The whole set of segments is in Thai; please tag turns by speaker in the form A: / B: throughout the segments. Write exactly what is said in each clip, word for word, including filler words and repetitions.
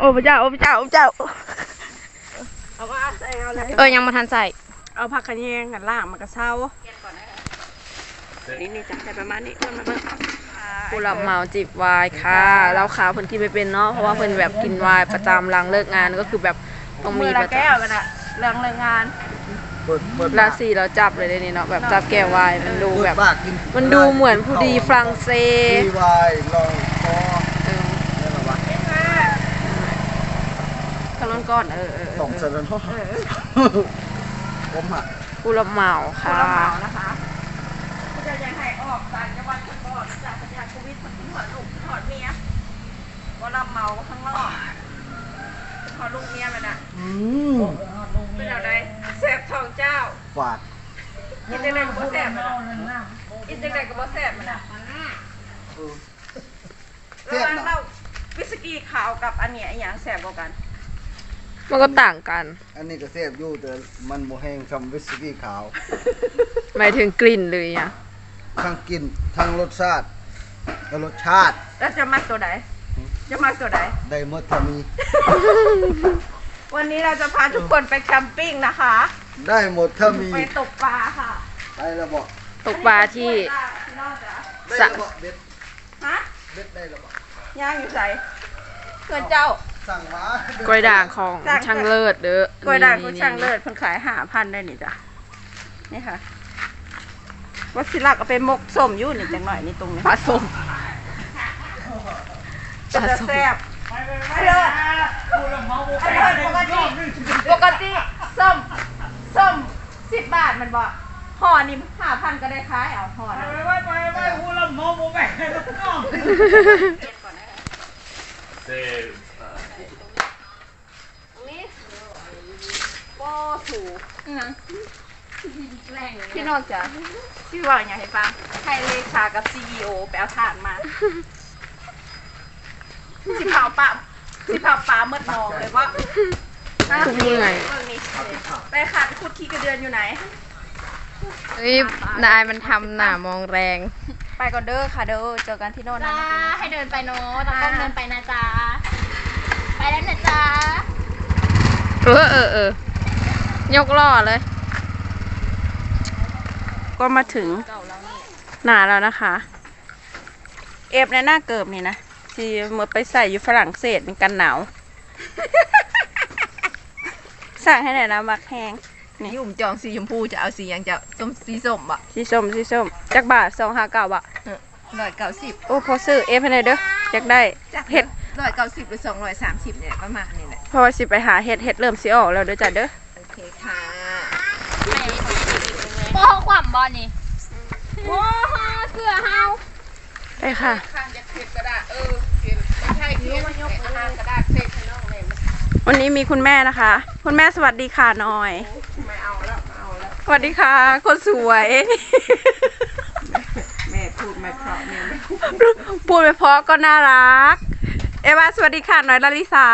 A: อ้พระเจ้าโอ้พระเจ้าโอ้พระเจ้าเอาว่าใส่เอาเลยเออยังมาทันใส่เอาผักขะแยงกันล่างมันก็เศร้านี่นี่จ้ะใส่ประมาณนี้มันมันผู้รับเหมาจิบวายค่ะเราขาวเพิ่นกินไม่เป็นเนาะเพราะว่าเพิ่นแบบกินวายประจำหลังเลิกงานก็คือแบบต้องมีประจำแก้วกันอะหลังเลิกงานราศีเราจับเลยนี่เนาะแบบจับแก้ววายมันดูแบบมันดูเหมือนผู้ดีฝรั่งเศส
B: วายลองคอ
A: ขนมก้อนเออ
B: สองเซนแล้วเนาะผมอ่ะ
A: ผู้รับเหมาค่ะ
C: ผู้รับเหมานะคะผู้จะยังให้ออกต่างจังหวัดทั้งหมดจากพยาโควิดมันถึงหัวลูกถอดเมียผู้รับเหมาข้างนอกถอดลูกเมียมันอ่ะ
B: อืม
C: เป็นอะไรแสบทองเจ้า
B: ฝาด
C: กินจังไดกับบ่แสบมันอ่ะกินจังไดกับบ่แสบมันอ่ะระหว่างเราวิสกี้ขาวกับอันเนี้ยอย่างแสบกว่ากัน
A: มันก็ต่างกัน
B: อันนี้ก็แซ่บอยู่แต่มันโมแห้งคำวิสกี้ขาว
A: หมายถึงกลิ่นเลยอ่ะ
B: ทั้งกลิ่นทั้งรสชาติและรสชาติ
C: แล้วจะมักตัวไหนจะมักตัวไหน
B: ได้หมดถ้ามี
C: วันนี้เราจะพาทุกคนไปแคมปิ้งนะคะ
B: ได้หมดถ้ามี
C: ไปตกปลาค่ะ
B: ไปแล้วบอก
A: ตกปลาที่
B: สระเบ็ด
C: ฮะ
B: เบ็ดได้แล้วบอก
C: ย่างอยู่ใส่เพื่อนเจ้า
B: สั่งมาก
A: ล้วยด่างของช่างเลิศเด้อก
C: ล้วยด่างของช่างเลิศเพิ่นขายห้าพันได้นี่จ้ะนี่ค่ะวัชิระก็เป็นมกส้มอยู่นี่จังหน่อยนี่ตรงนี้
A: ปลาส้ม
C: จะแซ่บไปเลยไปเลยปกติปกติส้มส้มสิบบาทมันบอกห่อนี่ห้าพันก็ได้ขายเอาห่อนะไปไปไปหูละมอโมแม่ลูกน้องเซฟตรงนี้ป้อถูนะพี่นอกจากพี่ว่าอย่างให้ฟังให้เลขากับซีอีโอไปเอาถ่านมาสิเผาปลาสิเผาปลาเมื่อมองเลยว่า
A: คุณยังไง
C: ไปขาดคุดขี้กระเดือนอยู่ไหน
A: นี่นายมันทำหน้ามองแรง
C: ไปก่อนเด้อค่ะเด้อเจอกันที่โน่นนะ
D: ให้เดินไปโน้ตต้องเดินไปนะจ๊ะไปแล้วนะจ๊ะ
A: เออเออเออยกล้อเลย
C: ก็มาถึงหนาแล้วนะคะเอฟในหน้าเกิบนี่นะที่เมื่อไปใส่อยู่ฝรั่งเศสเป็นกันหนาวสั่งให้ไหนนะมักแห้ง
A: นี่อุ่มจองสีชมพูจะเอาสียังจะส้มสีส้มบะ
C: สีส้มสีส้มจักบาทสองห้าเก้าบะ
A: ร้อยเก้าสิบ
C: โอ้พอซื้อเอฟให้ไหนเด้อจักได้เห็ด
A: ร้อยเก้าสิบหรือสองร้อยสามสิบเนี่ยประมาณนี้แหละ
C: เพราะว่าสิไปหาเห็ดเห็ดเริ่มสีออกแล้วเด้อจ้ะเด้อ
A: โอเคค่ะ
D: โอ้ขวำบอลนี่โอ้ฮะเสือเฮา
C: ไปค่ะวันนี้มีคุณแม่นะคะคุณแม่สวัสดีค่ะหน่อยไม่เอาแล้วเอาแล้วสวัสดีค่ะคนสวยแม่พูดไม่เพราะแม่พูดไม่เพราะก็น่ารักเอวาสวัสดีค่ะหน่อยลาลิสา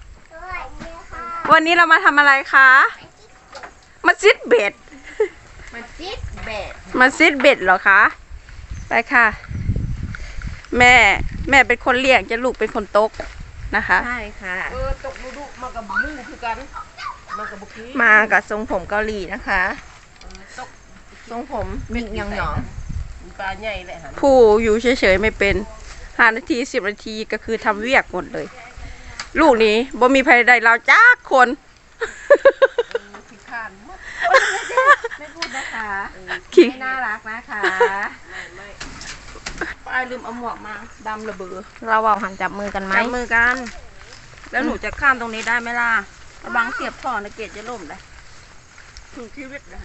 C: วันนี้เรามาทำอะไรคะมาซิดเบ็ด
D: มาซิดเบ็ด
C: มาซิดเบ็ดเหรอคะไปค่ะแม่แม่เป็นคนเลี้ยงจะลูกเป็นคนตกนะคะ
A: ใช่ค่ะ
C: เออตกดุดุมากับมูคือกัน
A: มากับบุกี้มากับทรงผมเกาหลีนะคะ
C: ตก
A: ทรงผมมิกยองหยอง
C: ปลาใหญ่เลยค่ะผู้อยู่เฉยๆไม่เป็นห้านาทีสิบนาทีก็คือทำเวียกหมดเลยลูกนี้บ่มีใครใดเราจ้าคน
A: ไม่พูดนะคะไม่น่ารักนะคะ
C: ป้าลืมเอาหมวกมาดำระเบือ
A: เราเอาหันจับมือกันไหม
C: จับมือกันแล้วหนูจะข้ามตรงนี้ได้ไหมล่ะระวังเสียบท่อนะเกศจะล่มเลยถึงชีวิตเลย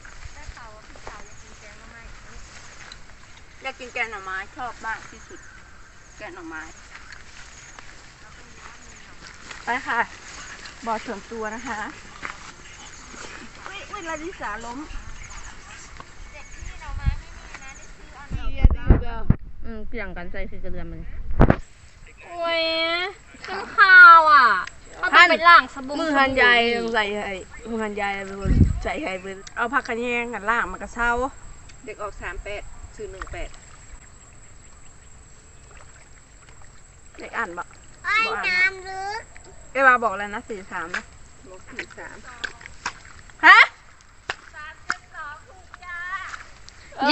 C: อยากกินแกงหน่อไม้ชอบมากที่สุดแกงหน่อไม้ไปค่ะบ่อส่วนตัวนะคะวิลาดิสาล้ม
A: อืมเกี่ยงกันใส่สีกระเดือนมัน
D: โอ้ยน้ำข้าวอ่ะเขาต้องไปล้างสบู่
C: มือหันใหญ่ใส่ให้มือหันใหญ่เป็นคนใส่ให้เป็นเอาผักขะแยงกันล่างมันก็เศร้าเด็กออกสามแปดซื้อหนึ่งแปดเด็กอ่านบ่
D: ไอ้น้ำลึก
C: เอวาบอกแล้วนะสี่สามนะบอกสี่สามฮะ
A: เย้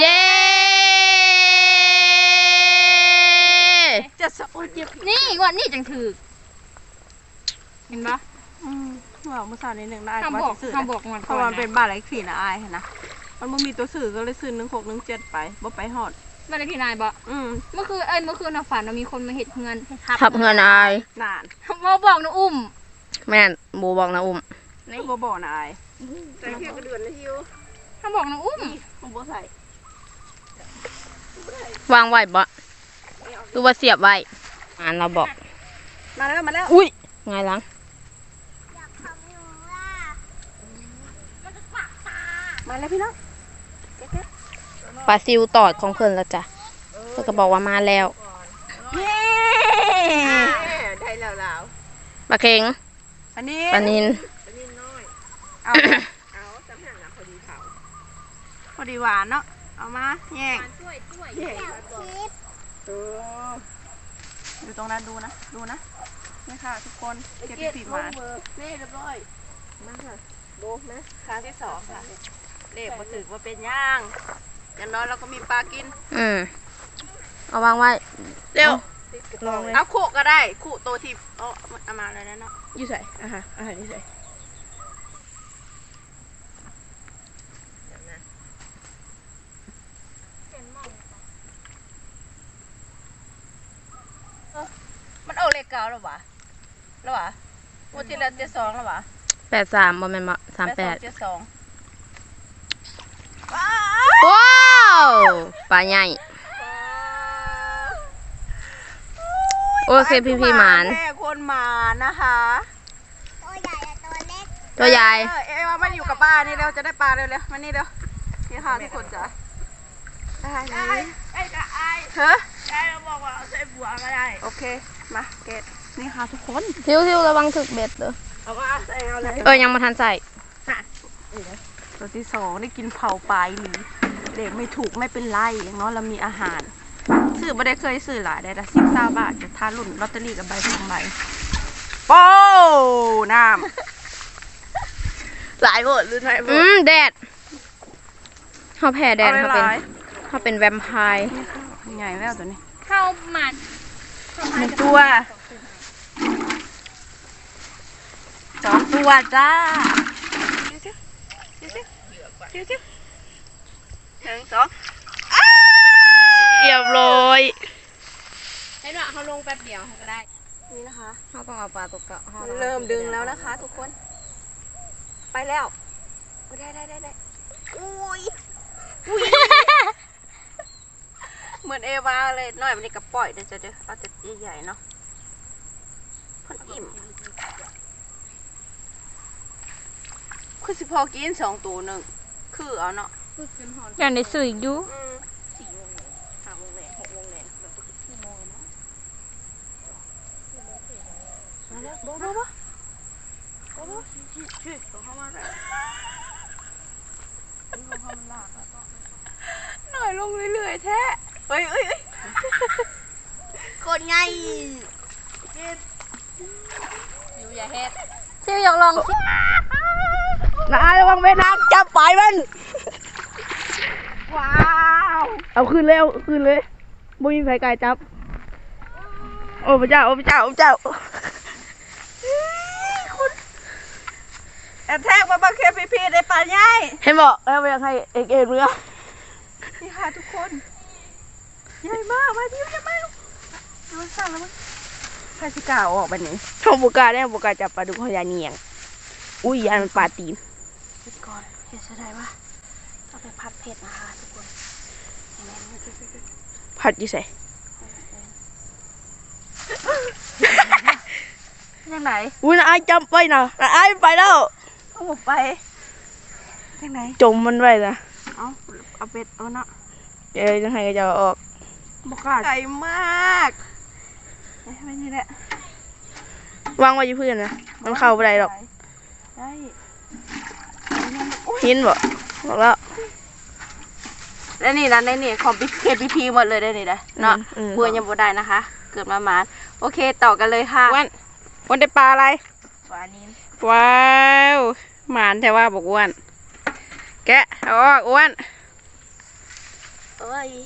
C: จะสะโอนเจ็บ
D: นี่งวดนี่จังถือเห็นปะ
C: อืมว่าเมื่อสาวนี้หนึ่งได้
D: ทำบอก
C: สื่อ
D: ทำบอกงวด
C: เพ
D: ก่อ
C: ราะว่ามัน
D: น
C: เป็นบ้านไรขี่นะอายนะมันไม่มีตัวสื่อก็เลยซื้อหนึ่งหกหนึ่งเจ็ดไปบ่ไปหอด
D: บ้านเลขที่นายบอก
C: อืม
D: เมื่อคืนเอ้ยเมื่อคืนน่ะฝันว่ามีคนมาเห็ดเงิน
A: ขับเงินอาย
C: นาน
D: มาบอกนะอุ้ม
A: แม่นบูบอกนะอุ้ม
C: นี่บ่บ่นะอายใส่เพียงกระเดือนนะฮิว
D: ถ้าบอกนะอุ้ม
C: มันบ่ใส่
A: วางไว้บ่หรือว่าเสียบไว้อ่านเราบอก
C: มาแล้วมาแล้ว
A: อุ้ยไงลัง
C: มาแล้วพี่น้อง
A: ปลาซิวตอดของเพิ่นแล้วจ้ะเพิ่นก็บอกว่ามาแล้ว
C: เย้ได้แล้วแล้ว
A: ปลาเค็ง
C: อันนี้
A: ปลานิน
C: เอาเอาจำห่างนะพอดีเผาพอดีหวานเนาะเอามาแย่งแย่งเอออยู่ตรงนั้นดูนะดูนะนี่ค่ะทุกคนเก็บปีกหวานนี่เรียบร้อยมาค่ะดูนะครั้งที่สองค่ะเลขมาถึงว่าเป็นย่างอย่างน้อยเราก็มีปลากิน
A: อืมเอาวางไว้
C: เร็ว
A: ลองเลย
C: เอาขู่ก็ได้ขู่โตทีเอาเอามาเลยนะเนาะ
A: อยู่ใส่อ่ะฮะอ่ะอยู่ใส่
C: มันเอาเลขเก้าแล้ววะแล้ววะวันที่แล้วเจ็ดสองแล้ววะ
A: แปดสามบ่แม่นบ่สามแปด
C: เจ็ดสอง
A: ว้าวปลาใหญ่โอเคพี่พี่หมาน
C: แม่คนหมานะคะ
A: ตัวใหญ่
C: เออเอ๊ะว่ามันอยู่กับป้านี่เร็วจะได้ปลาเร็วๆมานี่เร็วนี่ค่ะทุกคนจ้ะได้เลยไอ้กะไอ้เฮ้ยไอ้เราบอกว่าเอาใส่บัวก็ได้โอเคมาเกตนี่ค่ะทุกคน
A: ทิวทิวระวังถึกเบ็ดเด้อ
C: เอาว่าใส่เอาเลย
A: เออยังมาทันใส่
C: ตัวที่สองได้กินเผาปลายหรือเด็กไม่ถูกไม่เป็นไรอย่างน้อยเรามีอาหารซื้อไม่ได้เคยซื้อหลายได้แต่สิบเก้าบาทจะทานรุ่นลอตเตอรี่กับใบสองใบโป้น้ำหลายหมดหรือไง
A: อืมแดดเขาแพ้แดด
C: เอา
A: เขา
C: ห
A: เป็น
C: ลาย
A: เขาเป็นแวมไพร์
C: ใหญ่แล้วตัวนี้
D: เข้าหมัด
C: หนึ่งตัวสองตัวจ้าหนึ่งสอง
A: เรียบร้อย
D: เห็นว่าเขาลงแป๊บเดียวก็ได้
C: นี่นะคะ
A: เขาต้องเอาปลาตกเกาะ
C: เริ่มดึงแล้วนะคะทุกคน ไปแล้วโอ้ได้ได้ได้ได้อุ้ยอุ้ย เหมือนเอวาเลยหน่อยมันนี่กระปล่อยเดี๋ยวจะเดี๋ยวเอาแต่ใหญ่ๆเนาะพันอิ่มคือสิพอกินสองตัวหนึ่งคือเอาเนาะ
A: อย่างในสื่ออยู่
C: อืมสี่โมงเลยห้าโมงเลยหกโมงเลยมันตกสี่โมงแล้วมาแล้วโบ๊ะโบ๊ะโบ๊ะโบ๊ะโบ๊ะช่วยเข้ามาหน่อยหน่อยลงเรื่อยๆแท้เฮ้ยเฮ้ยเฮ้ยคนไง
D: อยู่อย่าเฮ็ด
A: ซิวอยากลอง
C: นายระวังแม่น้ำจับปลายมันว้าว
A: เอาคืนเลยเอาคืนเลยบ่มีไฟกายจับ
C: โอ้พระเจ้าโอ้พระเจ้าโอ้พระเจ้าแอบแทกมาบังเคพีพีในป่าใหญ่
A: เห็นบอกแล้วอยากให้เอกเอกเรือ
C: นี่ค่ะทุกคนใหญ่มากมาที่ใหญ่มากดูสั่งแล้วมั้งใครสิกล้าเอาออกไปนี้
A: เขาบุกาเนี่ยบุกาจับปลาดุกเขายาเนียงอุ้ยยานมันปลาตีน
C: คิดก่อนเห็ดอะไรวะเอาไปผัดเผ็ดนะคะทุกคนยังไงมันจะ
A: ผัดอยี่ใส่
C: ยังไหน
A: อุ้ยนายจำไปนะนายไปแล้ว
C: เอาหมกไปยังไหน
A: จมมันไว้นะ
C: เอาเอาเป็ดเอาเนาะ
A: เดี๋ยวยังไงก็จะเอาออก
C: บอกกล้าไก่มากไม่นี่แหละ
A: วางไว้อยู่พื้นนะมันเข้าไปได้หรอก
C: ได้
A: หินบ่บอกแล้ว
C: แล้วนี่นะในนี่ของพีเคพีพีหมดเลยได้นี่นะเนาะ
A: อืม
C: บัวยังบ่ได้นะคะ เกิดมาหมานโอเคต่อกันเลยค่ะ
A: วันวันได้ปลาอะไร
C: ปลานิน
A: ว้าวหมานแต่ว่าบอกอ้วนแกะเอาออกอ้วน
C: โอ้ย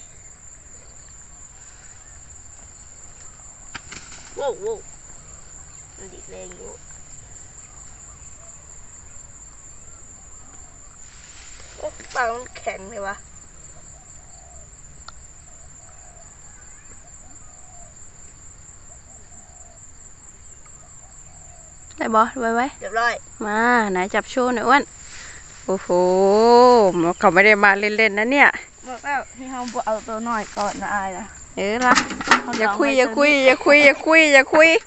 C: โว้วโว้วมันดิแรงอยู่โอ้ปลามันแข็งเลยวะ
A: ได้บอไว้ไว้
C: เรียบร้อย
A: มาไหนจับโชว์หน่อยอ้วนโอ้โหเขาไม่ได้มาเล่นๆนะเนี่ย
C: บอกแล้วที่เขาบอกเอาตัวน้อยก่อนนะอายนะ
A: เออละอย่าคุยอย่าคุยอย่าคุยอย่าคุยอย่าคุย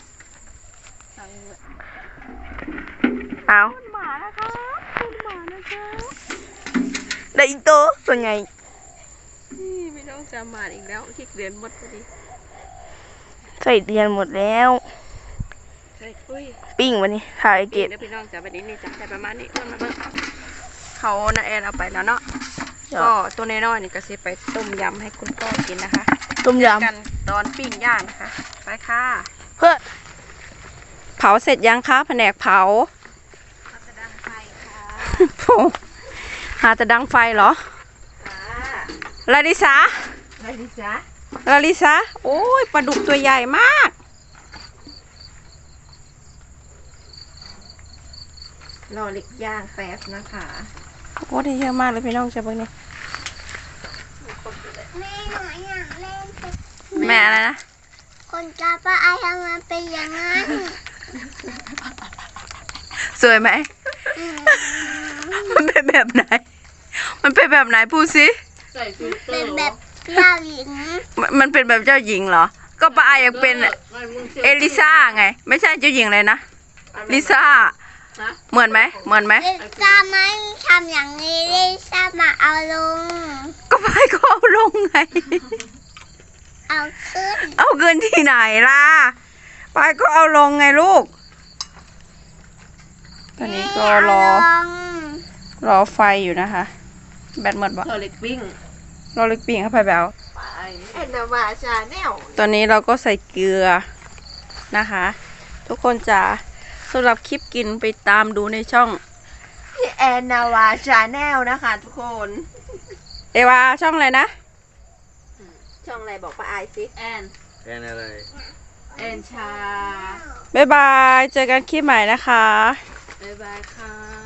A: เอา
C: หมานะคะคุณหมานะคะได้อีกตัวตัวไง
A: นี่ไม่ต้องจำหมานอีกแล้วที่เรียนหมดพอดี
C: ใส่เดือนหมดแล้ว
A: ใช่คุย
C: ปิ้งวันนี้ถ่ายเก็บ
A: เดี๋ยวพี่น้องจะไปนี้นี่จะได้ประมาณนี้อ้วนมาเบิ่งเขานาแอนเอาไปแล้วเนาะก็ตัวน้อยๆนี่ก็สิไปต้มยำให้คุณพ่อกินนะคะ
C: ต้มย
A: กันตอนปิ้งย่างนะคะไปค่ะ
C: ำเพื่อ
A: เผาเสร็จยังคะแผนกเผา
C: จะดังไฟค่ะ
A: โอ้หาจะดังไฟเหรอลาลิสา
C: อะไรดิจ๊ะ
A: ลาลิสาโอ้ยปลาดุกตัวใหญ่มาก
C: รอเล็กย่างแป๊บนะคะ
A: โอ้ได้เยอะมากเลยพี่น้องจะเบิ่งนี่
E: แม่หนูอยากเล่นเป็น
A: แม่อะไรนะ
E: คนกาป้าไอทำไมเป็นอย่างนั้น
A: สวยไหม มันเป็นแบบไหน มันเป็นแบบไหนพูดสิ
E: เป็นแบบเจ้าหญิง
A: มันมันเป็นแบบเจ้าหญิงเหรอ ก็ป้าไอยังเป็นเอลิซ่าไง ไม่ใช่เจ้าหญิงเลยนะ ลิซ่า เหมือนไหม เหมือนไหม
E: ลิซ่าไม่ทำอย่างนี้ลิซ่ามาเอาลง
A: ก็ไปก็เอาลงไง
E: เอาขึ้น
A: เอาเงินที่ไหนล่ะ ไปก็เอาลงไงลูก ตอนนี้ก็รอ
E: ไม่เาลง
A: รอไฟอยู่นะคะ แบตหมดบ่
C: รอเล็กปิ้ง
A: รอลึกปิ่งเข้าไปแบบ
C: แอนนาวาชาแนล
A: ตอนนี้เราก็ใส่เกลือนะคะ ทุกคนจะสำหรับคลิปกินไปตามดูในช่อง
C: ที่แอนนาวาชาแนลนะคะทุกคน
A: เอวาช่องอะไรนะ
C: ช่องอะไรบอกป้าไอายสิแอน
B: แค่นั้นเลย
C: แอนชา
A: บ๊ายบาย เจอกันคลิปใหม่นะคะ
C: บ๊ายบายค่ะ